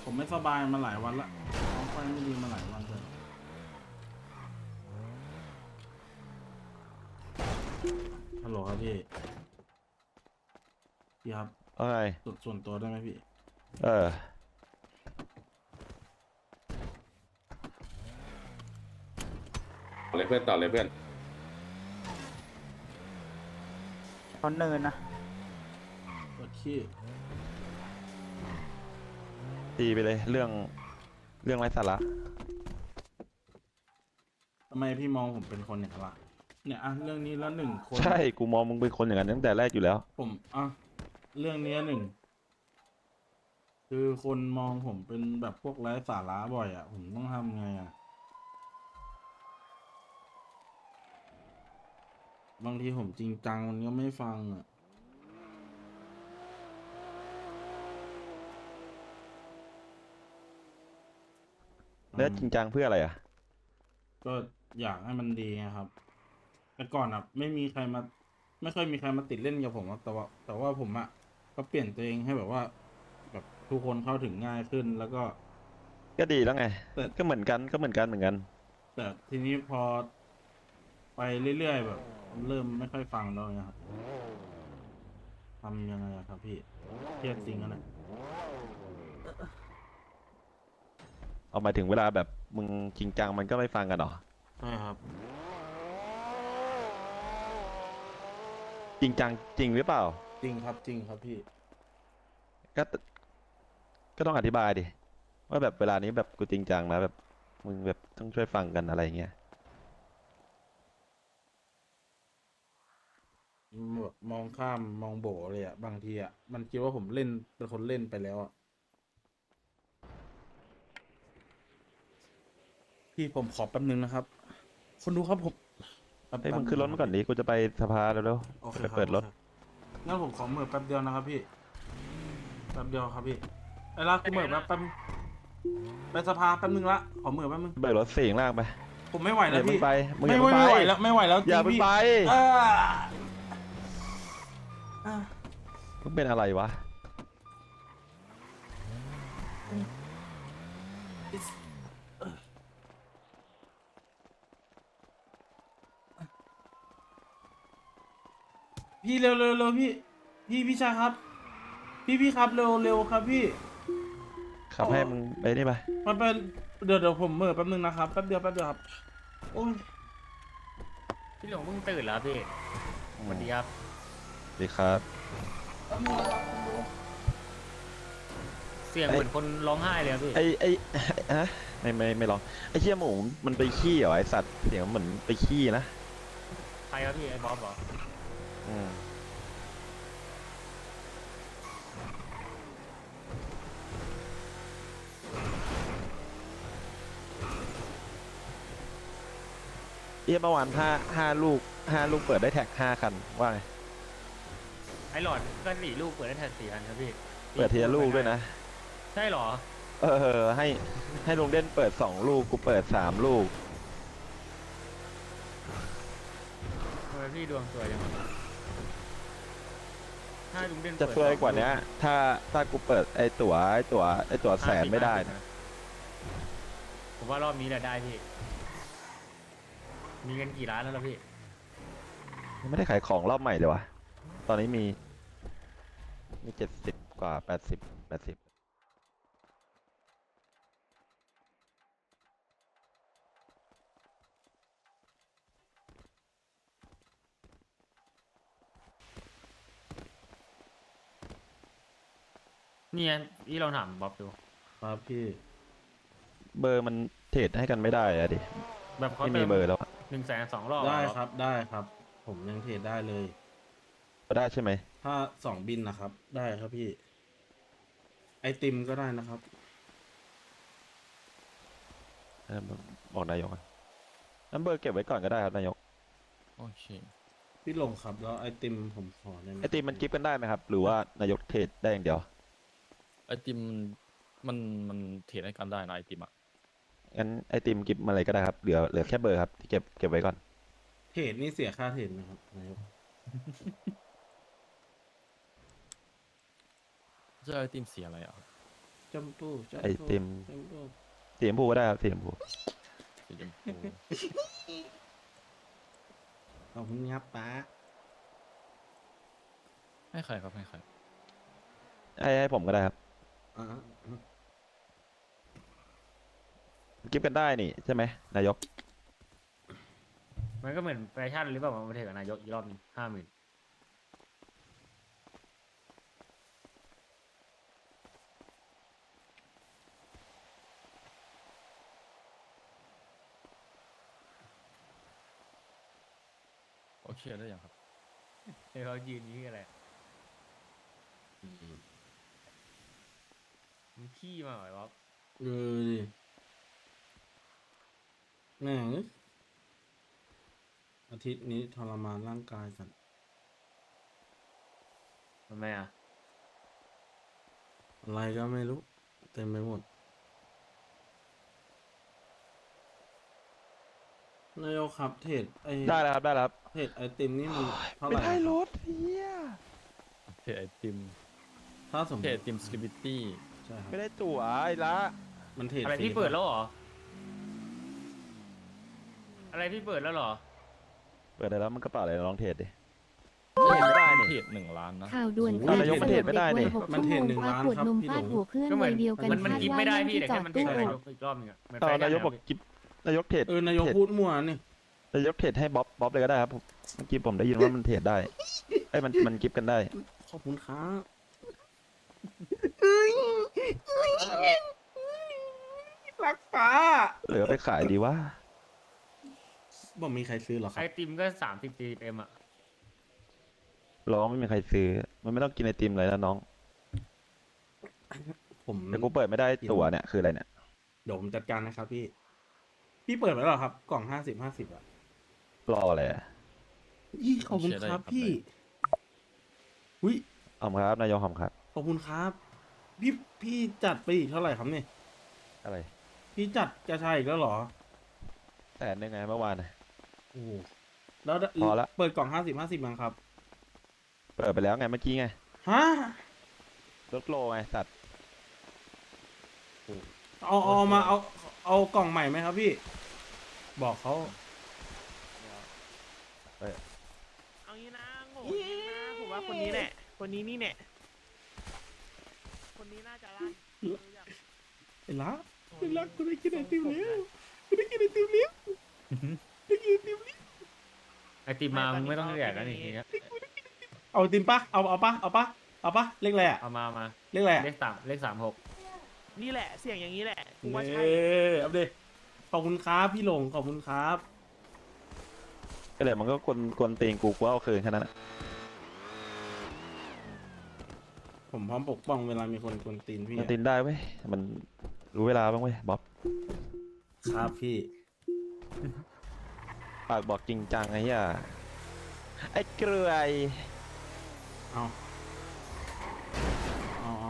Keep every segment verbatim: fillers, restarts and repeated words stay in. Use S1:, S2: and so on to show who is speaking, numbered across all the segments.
S1: ผมไม่สบายมาหลายวันละท้องไฟไม่ดีมาหลายวันเลยฮัลโหลครับพี่พี่ครับ
S2: ว่าไง
S1: ส่วนส่วนตัวได้ไหมพี่
S2: เออ
S3: ต่อเลยเพื่อนต่อเลยเพื่อน
S4: เขาเนินนะ
S1: กดขี้
S2: ตีไปเลยเรื่องเรื่องไร้สาระ
S1: ทำไมพี่มองผมเป็นคนอย่างนั้นล่ะเนี่ยอ่ะเรื่องนี้แล้วหนึ่งคน
S2: ใช่กูมองมึงเป็นคนอย่างนั้นตั้งแต่แรกอยู่แล้ว
S1: ผมอ่ะเรื่องนี้หนึ่งคือคนมองผมเป็นแบบพวกไร้สาระบ่อยอ่ะผมต้องทำไงอ่ะบางทีผมจริงจังมันก็ไม่ฟังอ่ะ
S2: แล้วจริงจังเพื่ออะไรอ่ะ
S1: ก็อยากให้มันดีไงครับแต่ก่อนอ่ะ ไม่มีใครมา ไม่ค่อยมีใครมาติดเล่นกับผมอะแต่ว่าแต่ว่าผมอ่ะก็เปลี่ยนตัวเองให้แบบว่า แบบทุกคนเข้าถึงง่ายขึ้น แล้วก็
S2: ก็ดีแล้วไง
S1: แต่
S2: ก็เหมือนกันก็เหมือนกันเหมือนกัน
S1: แต่ทีนี้พอไปเรื่อยๆแบบ เริ่มไม่ค่อยฟังแล้วนะครับทำยังไงอะครับพี่เครียดจริงอะนะ
S2: เอามาถึงเวลาแบบมึงจริงจังมันก็ไม่ฟังกันหรอ
S1: ใช่ครับ
S2: จริงจังจริงหรือเปล่า
S1: จริงครับจริงครับพี่
S2: ก็ก็ต้องอธิบายดิว่าแบบเวลานี้แบบกูจริงจังนะแบบมึงแบบต้องช่วยฟังกันอะไรเงี้ย
S1: แบบมองข้ามมองโบเลยอะบางทีอะมันคิดว่าผมเล่นเป็นคนเล่นไปแล้วอะพี่ผมขอแป๊บนึงนะครับ คนดูครับผมแป๊บ
S2: เฮ้ย
S1: แป๊บ
S2: มึงขึ้นรถมาก่อนดิกูจะไปสภาแล้ว
S1: โอเค
S2: ๆไป
S1: ครับ
S2: เปิดรถ
S1: โอเคงั้นผมขอเหมือแป๊บเดียวนะครับพี่แป๊บเดียวครับพี่ไอ้ลากกูเหมือแป๊บแป๊บไปสภาแป๊บนึงละขอเหมือแป๊บนึง
S2: เปิดรถเสียงล่างไป
S1: ผมไม่ไหวแล้ว
S2: อย่าเพิ่
S1: พี่
S2: งไปมึงอ
S1: ไม่
S2: ย่า
S1: ไม่
S2: เพิ่ง
S1: ไม่ไหว
S2: ไป
S1: แล้วไม่ไหวแล้วจ
S2: อ
S1: ริ
S2: ย่าง เพิ่ง
S1: พี่
S2: ไป
S1: อ่าอ่า
S2: มึงเป็นอะไรวะ
S1: พี่เร็วเร็วเร็วพี่ พี่พี่ชายครับ พี่พี่ครับเร็วเร็วครับพี่
S2: ขับให้มึงไปนี่ไป
S1: มันเป็นเดี๋ยวเดี๋ยวผมเหม่อแป๊บนึงนะครับแป๊บเดียวแป๊บเดียวครับโอ้ย
S5: พี่หลงเพิ่งตื่นแล้วพี่สวัสดีครับ
S2: ดีครับ
S5: เสียงเหมือนคนร้องไห้เลยครับพี่
S2: ไอไอฮะไม่ไม่ไม่ลองไอเชี่ยหมูมันไปขี้เหรอไอสัตว์เสียงเหมือนไปขี้นะ
S5: ใครครับพี่ไอ้บ๊อบเหรอ
S2: อืมเอี้ยเมื่อวานห้าห้าลูกห้าลูกเปิดได้แท็กห้าคันว่าไง
S5: ไอ้หลอดก็สี่ลูกเปิดได้แท็กสี่อันครับพี่
S2: เปิดทีละลูกด้วยนะ
S5: ใช่เหรอ
S2: เออให้ให้ลุงเด่นเปิดสองลูกกูเปิดสามลูก
S5: ทำไมพี่ดวงสวยจังวะถ้าลุงเด่น
S2: จะ
S5: ปิด
S2: เฟื่อยกว่านี้ถ้าถ้ากูเปิดไอตั๋วไอตั๋วไอตั๋วแสนไม่ได้นะ
S5: ผมว่ารอบนี้แหละได้พี่ มีเงินกี่ล้านแล้วล่ะพี่
S2: ยังไม่ได้ขายของรอบใหม่เลยวะตอนนี้มีมีเจ็ดสิบกว่าแปดสิบแปดสิบ
S5: นี่ไงพี่ลองถามบ๊อบดู
S1: ครับพี่
S2: เบอร์มันเทรดให้กันไม่ได้อะดิ
S5: แบบเขา
S2: ไม่
S5: เติ
S2: มี
S5: ม
S2: เบอร์แล้วอะ
S5: หนึ่งแสนสองรอบ
S1: ได้
S5: อะ
S1: ครับได้ครับ ผมยังเทรดได้เลย
S2: ได้ใช่ไหม
S1: ถ้าสองบินนะครับ ได้ครับพี่ ไอติมก็ได้นะครับ
S2: เออบอกนายกอะนั้นเบอร์เก็บไว้ก่อนก็ได้ครับนายก
S6: โอเค
S1: พี่ลงครับแล้วไอติมผมขอได้ไหม
S2: ไอตีมันกิฟต์กันได้ไหมครับ หรือว่านายกเทรดได้อย่างเดียว
S6: ไอติมมันมันเทรดให้กันได้นะไอติมอ่ะ
S2: งั้นไอติมกิฟต์มาเลยก็ได้ครับเหลือเหลือแค่เบอร์ครับที่เก็บเก็บไว้ก่อน
S1: เทรดนี่เสียค่าเทรดไหมครับนายก
S6: จะไอติมสีอะไรอ่ะ
S1: จมพูจมพู
S2: ไอติม
S1: จมพู
S2: สีชมพูก็ได้ครับสีชมพู
S6: สีชมพู
S1: ขอบคุณครับป้า
S6: ให้ใครครับให้ใคร
S2: ให้ให้ผมก็ได้ครับ
S1: อ่า
S2: กิฟต์กันได้นี่ใช่ไหมนายก
S5: มันก็เหมือนแฟชั่นหรือเปล่ามาเทกับนายกอีกรอบหนึงห้าหมื่น
S6: โอเคได้ยังครับ
S5: เดี๋ยวเขายืนนี้อะไรมึงขี้มาเหรอวะ
S1: เออดิแม่งอาทิตย์นี้ทรมานร่างกายกัน
S5: ทำไมอ่ะ
S1: อะไรก็ไม่รู้ เต็มไปหมด นายกครับเทรดไอ
S2: ได้แล้วครับได้แล้วครับ
S1: เทรดไอติมนี่มันเท่าไห
S2: ไม่
S1: ร่
S2: ได้
S1: อะ
S2: รถเฮีย
S6: เพจไอติม
S1: ถ้าสมม
S6: เพจไอ
S1: ติ
S6: ติมสกิบิตี้
S1: ใช่ครับ
S2: ไม่ได้ตั๋วไอ้ละ
S1: มันเทรด
S5: อะไร
S1: ฟ
S5: พี่เปิดแล้วเหรอ อะไรพี่เปิดแล้วเหรอ
S2: เปิดได้แล้วมันกระเป๋าอะไรลองเทรดดิ
S6: เพจ
S2: ไม่ได้นี่
S6: เพจหนึ่งล้านนะ
S7: ข่าวด่วน
S2: โอ้โหนายกมันเทรดไม่ได้นี่
S1: มันเทรดหนึ่งล้าน
S7: ขวด
S1: ครับ
S7: นม
S1: พี่
S7: ฟา
S1: หล
S7: ด
S1: ง
S7: หัวเพื่อน
S5: ก็เหมื
S7: วั
S5: อน
S7: ยเดียวกัน
S5: มันมัน
S7: คาด
S5: กิน
S7: ว่า
S5: ไม่ได้
S7: นั่ง
S5: พี่
S7: ที่
S5: แต่
S7: จ
S5: แค่
S7: อด
S5: มัน
S7: ตู้
S5: เท
S7: อ
S5: นา
S7: ด
S5: ยกอีกรอบหนึงอะเหมือน
S2: เอา
S5: แฟชั่
S2: นายก
S5: อะ
S2: บอกกิฟนายกเทรด
S1: เออนายก
S2: เทรด
S1: พูดมั่วนี่
S2: นายกเทรดให้บ๊อบบ๊อบเลยก็ได้ครับผมเมื่อกี้ผมได้ยินว่ามันเทรดได้ไอ้ยมันมันกิฟต์กันได้
S1: ขอบคุณครับ รักป้า
S2: เหลือไปขายดีว่า
S1: บอกมีใครซื้อเหรอค
S5: ไอ
S1: รับ
S5: ติมก็สามสิบสี่สิบเอ็มอ่ะ
S2: ร้องไม่มีใครซื้อ มันไม่ต้องกินไอติมเลยนะน้อง
S1: ผม
S2: แต่กูเปิดไม่ได้ตั๋วเนี่ยคืออะไรเนี่ย
S1: เดี๋ยวผมจัดการนะครับพี่ พี่เปิดไว้แล้วเหรอครับ กล่องห้าสิบห้าสิบอ่ะ
S2: รออะไรอะ
S1: ยี่ขอบคุณครับพี่อุ้ย
S2: ขอบคุณครับนายกขอบคุณครับ
S1: ขอบคุณครับ พี่พี่จัดไปอีกเท่าไหร่ครับเนี่ย
S2: อะไร
S1: พี่จัดกระชายอีกแล้วเหรอ
S2: แต่นึงไงเมื่อวานน่ะ
S1: โอ้โหแล้ว
S2: พอละ
S1: เปิดกล่องห้าสิบห้าสิบมั้งครับ
S2: เปิดไปแล้วไงเมื่อกี้ไง
S1: ฮะ
S2: รถโลไงสัตว์
S1: เอาเอามาเอาเอากล่องใหม่ไหมครับพี่ บอกเขา
S8: เอางี้นะโง่จริงนะผมว่าคนนี้แหละ คนนี้นี่แหละคนนี้น่าจะลั่น
S1: ไอ้ละไอ้ละกูได้กินไอติมแล้วกูได้กินไอติมแล้วได้กินไอติมแล้ว
S5: ไอติมมามึงไม่ต้องแดกแล้วนี่ทีเนี้ย
S1: เอาไอติมปะเอาเอาปะเอาปะเอาปะเลขอะไรอ่ะ
S5: เอามามา
S1: เลขอะไรอะ
S5: เลขสามเลขสามหก
S8: นี่แหละเสียงอย่างนี้แหละกูว่าใช่
S1: เน่เอาดิขอบคุณครับพี่หลงขอบคุณครับ
S2: ก็เลยมันก็กวนกวนตีนกูกูเอาคืนแค่นั้นนะ
S1: ผมพร้อมปกป้องเวลามีคนกวนตีนพี่
S2: มัน
S1: อะ
S2: ตีนได้เว้ยมันรู้เวลาบ้างเว้ยบ๊อบ
S1: ครับพี่
S2: ปากบอกจริงจังไอ้เหี้ยไอ้เกลือย
S1: เอาเอาเอา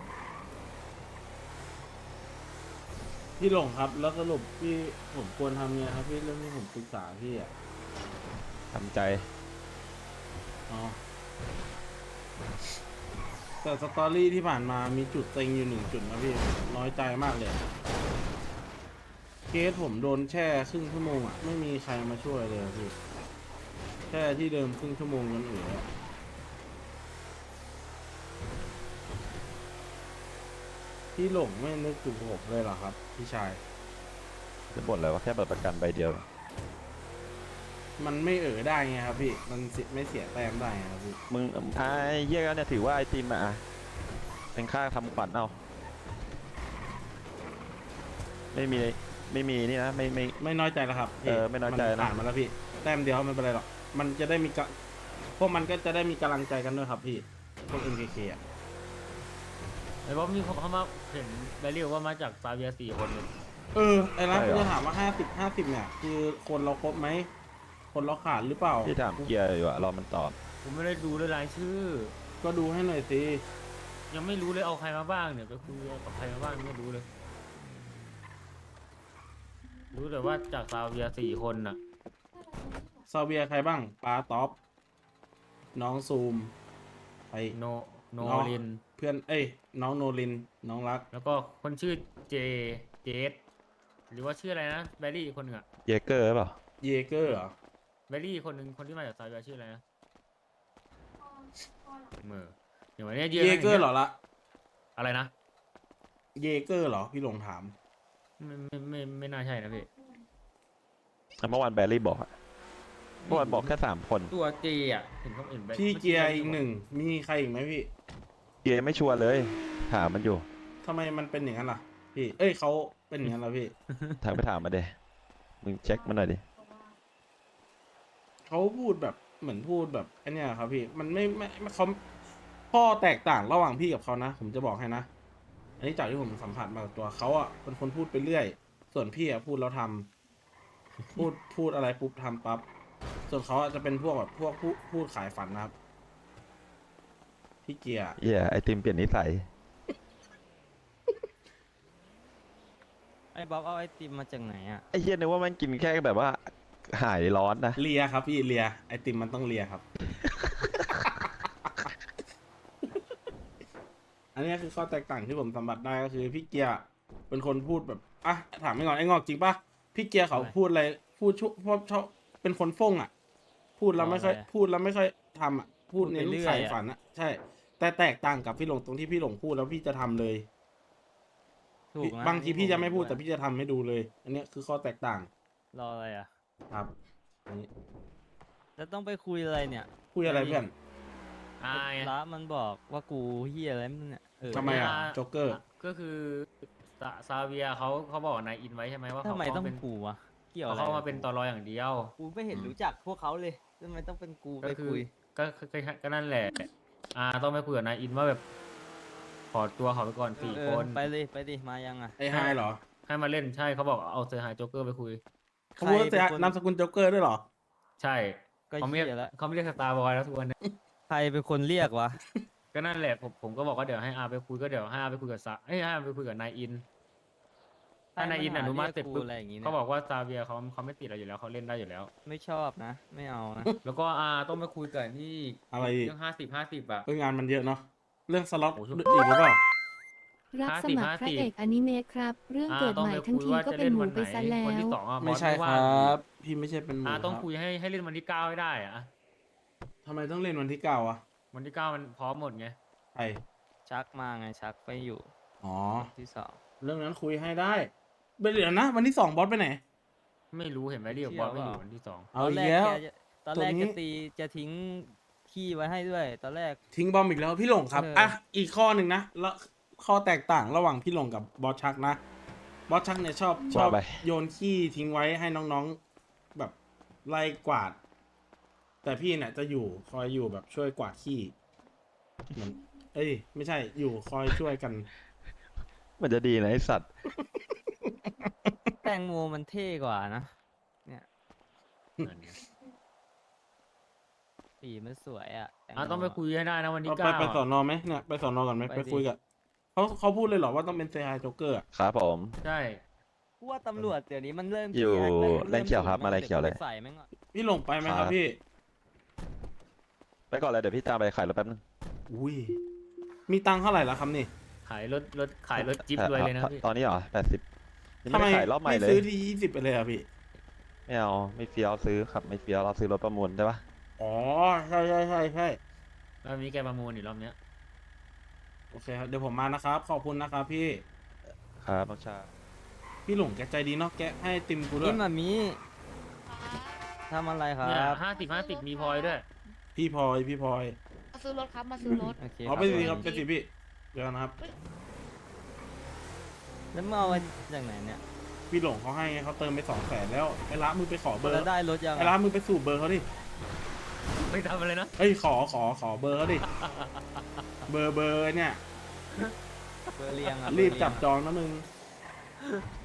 S1: พี่หลงครับ แล้วสรุปพี่ผมควรทำไงครับพี่เรื่องที่ผมปรึกษาพี่อ่ะ
S2: ทำใจ
S1: อ๋อแต่สตอรี่ที่ผ่านมามีจุดเต็งอยู่หนึ่งจุดนะพี่น้อยใจมากเลย เคสผมโดนแช่ครึ่งชั่วโมงอ่ะ ไม่มีใครมาช่วยเลยอะพี่แช่ที่เดิมครึ่งชั่วโมงจนเอืออะพี่หลงไม่นึกถึงผมเลยเหรอครับ พี่ชาย
S2: จะบ่นอะไรวะแค่บัตรประกันใบเดียว
S1: มันไม่เอ๋อได้ไงครับพี่ มันเสียไม่เสียแต้มได้ไงครับพี่
S2: มึงไอ้เหี้ยเนี่ยถือว่าไอติมอะอะเป็นค่าทำขวัญเอาไม่มีไม่มีนี่นะไม่ไม่
S1: ไม่น้อยใจแล้วครับพี่
S2: เออไม่น้อยใจนะ
S1: ผ่านมาแล้วพี่ แต้มเดียวไม่เป็นไรหรอก มันจะได้มีกะพวกมันก็จะได้มีกำลังใจกันด้วยครับพี่ พวก เอ็ม เค เค อ่ะ
S5: ไอ้บ๊อบมีเขามาเห็นแบริวว่ามาจากซาเวียสี่คนเลย
S1: เออ ไอ้ร้านกูจะถามว่าห้าสิบห้าสิบเนี่ย คือคนเราครบไหม คนเราขาดหรือเปล่า
S2: ที่ถามเกียร์อยู่อะรอมันตอบ
S5: ผมไม่ได้ดูเลยรายชื่อ
S1: ก็ดูให้หน่อยสิ
S5: ยังไม่รู้เลยเอาใครมาบ้างเนี่ยไปคุยกับใครมาบ้างไม่รู้เลย รู้แต่ว่าจากซาเวียสี่คนน่ะ
S1: ซาเวียใครบ้างปาท็อป น้องซูม ไป
S5: โนโน
S1: อ๋อ
S5: ลิน
S1: เพื่อนเอ้ยน้องโนรินน้องรัก
S5: แล้วก็คนชื่อเจเจสหรือว่าชื่ออะไรนะแบลลี่อีกคนหนึ่งอะ
S2: เยเกอร์หรือเปล่า
S1: เยเกอร์เหรอ
S5: แบลลี่คนหนึ่งคนที่มาจากซาเวียชื่ออะไรนะเมื่อเดี๋ยววันนี้ยืน
S1: เยเกอร์เหรอละ
S5: อะไรนะ
S1: เยเกอร์เหรอพี่หลงถาม
S5: ไม่ไม่ไม่ไม่น่าใช่นะพี่
S2: เมื่อวานแบรี่บอกอะเมื่อวานบอกแค่สามคน
S5: ตัวเจอ่ะเห็นเขาเห็นไป
S1: พี่เกียร์อีกหนึ่งมีใครอีกไหมพี่
S2: เยไม่ชัวร์เลย ถามมันอยู่
S1: ทำไมมันเป็นอย่างนั้นล่ะ พี่ เอ้ยเขาเป็นอย่างนั้นเหรอพี่
S2: ถามไปถามมาเดมึงเช็คมันหน่อยดิ
S1: เขาพูดแบบเหมือนพูดแบบไอันเนี้ยครับพี่ มันไม่ไม่ไม่เขาพ่อแตกต่างระหว่างพี่กับเขานะ ผมจะบอกให้นะ อันนี้จากที่ผมสัมผัสมากับตัวเขาอ่ะเป็นคนพูดไปเรื่อย ส่วนพี่อ่ะพูดแล้วทำพูดพูดอะไรปุ๊บทำปั๊บ ส่วนเขาอ่ะจะเป็นพวกแบบพวกพูดพูดขายฝันนะครับ พี่เกียร์
S2: เหี้ยไอติมเปลี่ยนนิสัย
S7: ไอ้บ๊อบเอาไอติมมาจากไหนอ่ะ
S2: ไอเหี้ยนึกว่ามันกินแค่แบบว่าหายร้อนนะ
S1: เลียครับพี่เลียไอติมมันต้องเลียครับ อันนี้คือข้อแตกต่างที่ผมสัมผัสได้ก็คือพี่เกียร์เป็นคนพูดแบบอ่ะถามไม่ก่อนไอ้งอกจริงปะพี่เกียร์เขาพูดอะไรพูดชุพวกชอบเป็นคนฟ่งอ่ะ พูดแล้วไม่ค่อยพูดแล้วไม่ค่อยทำอ่ะ พูดเน้นขายฝันอ่ะใช่ แต่แตกต่างกับพี่หลงตรงที่พี่หลงพูดแล้วพี่จะทำเลย
S7: ถูกนะ
S1: บางทีพี่จะไม่พูดแต่พี่จะทำให้ดูเลย อันนี้คือข้อแตกต่าง
S7: รออะไรอ่ะ
S1: ครับอันนี้
S7: แล้วต้องไปคุยอะไรเนี่ย
S1: คุยอะไรเพื่อน
S5: อ่าไง
S7: ละมันบอกว่ากูเฮียอะไรมันเนี่ยเออ
S1: ทำไมอ่ะโจ๊กเกอร์
S5: ก็คือซาซาเวียเขาเขาบอกนายอินไว้ใช่ไหมว่า
S7: ทำ
S5: เขา
S7: ไม
S5: เขา
S7: ต้อง
S5: เป็น
S7: กูวะเกี่ยวอะไร
S5: เขามาเป็นตอรออย่างเดียว
S7: กูไม่เห็นรู้จักพวกเขาเลยทำไมต้องเป็นกู
S5: ก็
S7: ไป
S5: คือ
S7: คุย
S5: ก็ก็ก็ก็นั่นแหละ อ่าต้องไปคุยกับนายอินว่าแบบขอตัวเขาไปก่อนสี่
S7: เอ
S5: ค
S7: อน ไปเลยไปดิมายังอ่ะ
S1: ไอ้ไฮเหรอ
S5: ให้มาเล่นใช่เขาบอกเอาเซอร์ไฮโจ๊กเกอร์ไปคุย
S1: เขาพูดว่า
S7: ใคร
S1: จะ
S7: เป็นคน
S1: นามสกุลโจ๊กเกอร์ด้วยเหรอ
S5: ใช่
S7: ก็
S5: เขาไม่
S7: เฮี
S5: เรียก
S7: ยแล้ว
S5: เขาไม่เรียกสตาร์บอยแล้วทุกวันเนี้
S7: ใครเป็นคนเรียกวะ
S5: ก็นั่นแหละผมผมก็บอกว่าเดี๋ยวให้อาไปคุยก็เดี๋ยวให้อาไปคุยกับซาเอ้ยให้อาไปคุยกับนายอิน ถ้านายอินอนุมัติเสร็จปุ๊บ
S7: อะไรอย่างงี้เนี่ย
S5: เขาบอกว่าซาเวียเขาเขาไม่ติดเราอยู่แล้วเขาเล่นได้อยู่แล้ว
S7: ไม่ชอบนะ ไม่เอานะ
S5: แล้วก็อาต้องไปคุยกับนี่
S1: อะไรอีก
S5: เรื่องห้าสิบห้าสิบอะ
S1: เอ้ยงานมันเยอะเนาะ เรื่องสล็อต
S5: โอ้โห
S1: อีกหรือเปล่า
S9: รับสมัครพระเอกอนิเมะครับ เรื่อง
S5: อา
S9: เกิด
S5: ต้อง
S9: ใหม่
S5: ไป
S9: ทั้ง
S5: คุย
S9: ที
S5: ว่า
S9: ก็
S5: จะ
S9: เป็
S5: เล่
S9: น
S5: น
S9: หมู
S5: วันไห
S9: ไป
S5: น
S9: ซะแล้
S5: วัน
S9: ว
S5: ที่สองอะ
S1: ไม่
S5: บอส
S1: ใช่ค
S5: ว่าง
S1: รับ พี่ไม่ใช่เป็นหมู
S5: อาต้อง
S1: ครับ
S5: คุยให้ให้เล่นวันที่เก้าให้ได้อะ
S1: ทำไมต้องเล่นวันที่เก้าอะ
S5: วันที่เก้ามันพร้อมหมดไง
S1: ไอ
S7: ชักมาไงชักไปอยู่
S1: อ๋อ
S7: ที่สอง
S1: เรื่องนั้นคุยให้ได้ไปเดี๋ยวนะ วันที่สองบอสไปไหน
S5: ไม่รู้เห็นไหมเรียกบอสไม่อยู่วันที่สอง
S1: เอา
S7: ตอน
S1: อี
S7: แร
S1: ก
S7: ก
S1: แล้ว
S7: แกจะตอนแรก
S1: ตัวนี้
S7: จะตีจะทิ้งขี้ไว้ให้ด้วย ตอนแรก
S1: ทิ้งบอมอีกแล้วพี่หลงครับ
S7: เอออ่
S1: อ่ะ อีกข้อหนึ่งนะ แล้วข้อแตกต่างระหว่างพี่หลงกับบอสชักนะ บอสชักเนี่ยชอบชอบ
S2: ว่าไป
S1: โยนขี้ทิ้งไว้ให้น้องๆแบบไล่กวาด แต่พี่เนี่ยจะอยู่คอยอยู่แบบช่วยกวาดขี้เหมือนเอ้ย ไม่ใช่อยู่คอยช่วยกัน
S2: มันจะดีนะไอสัตว์
S7: แตงโมมันเท่กว่านะ เนี่ย
S5: นั่นไง
S7: สีมันสวยอ่ะแตงโม
S5: อ่ะต้องไปคุยให้ได้นะวันที่
S1: เอาไป
S5: เก้า
S1: ไปสอ
S5: อะ
S1: นอไหมเนี่ยไปสอนอก่อนไหม
S7: ไป
S1: ไป
S7: ดิ
S1: คุยกับเขาเขาพูดเลยเหรอว่าต้องเป็นเซฮายโจ๊กเกอร์อะ
S2: ครับผม
S5: ใช่
S7: กูว่าตำรวจเดี๋ยวนี้มันเริ่ม
S2: อยู่
S7: ขี้แกแล้ว
S2: แรงเขียวครับ
S7: ม
S2: มาแรงเขียวเลย
S7: ดี๋กูไปใส่แม่งก่อน
S1: พี่หลงไปไหมค
S2: ครั
S1: รับบ พี่
S2: ไปก่อนเลยเดี๋ยวพี่ตามไปขายรถแป๊บนึง
S1: อุ้ยมีตังค์เท่าไหร่แล้วครับนี่
S5: ขายรถรถขายรถจิ๊บรวยเลยนะพี่
S2: ตอนนี้เหรอแปดสิบยัง
S1: ทำ
S2: ไม่
S1: ไม
S2: ได้ขายรอบใหม่
S1: ไม่
S2: เลย
S1: ซื้อที่ยี่สิบไปเลยอะพี่
S2: ไม่เอาไม่เฟี้ยวซื้อครับ ไม่เฟี้ยวเราซื้อรถประมูลได้ปะ
S1: อ๋อใช่ใช่ใช่ใช่
S5: รอบนี้แกประมูลอีกรอบเนี้ย
S1: โอเคครับเดี๋ยวผมมานะครับ ขอบคุณนะครับพี่
S2: ครับน้องชา
S1: พี่หลงแกใจดีเนาะแกให้ติมกูด้วย
S7: นี่มามีทำอะไรครั
S5: เนี่ย
S7: บ
S5: ห้าสิบห้าสิบมีพลอยด้วย
S1: พี่พลอยพี่พลอย
S9: มาซื้อรถครับ มาซื้อรถ
S7: โอเค
S1: เอาไปสิค
S7: ค
S1: รั
S7: รั
S1: บบ ไปสิพี่เดี๋ยวนะครับ
S7: แล้วมึงเอามาจากไหนเนี่ย
S1: พี่หลงเขาให้ไงเขาเติมไปสองแสนแล้วไอ้ละมึงไปขอเบอร์
S7: แล้วได้รถยัง
S1: ไอ้ละมึงไปสูบเบอร์เขาดิ
S5: ไม่ทำอะไรนะ
S1: เอ้ยขอขอขอเบอร์เขาดิเบอร์เบอร์เนี่ย
S7: เบอร์เรียงอ่ะ
S1: รีบ
S7: เอ
S1: จับ
S7: เยง
S1: จองนะมึง
S7: อะ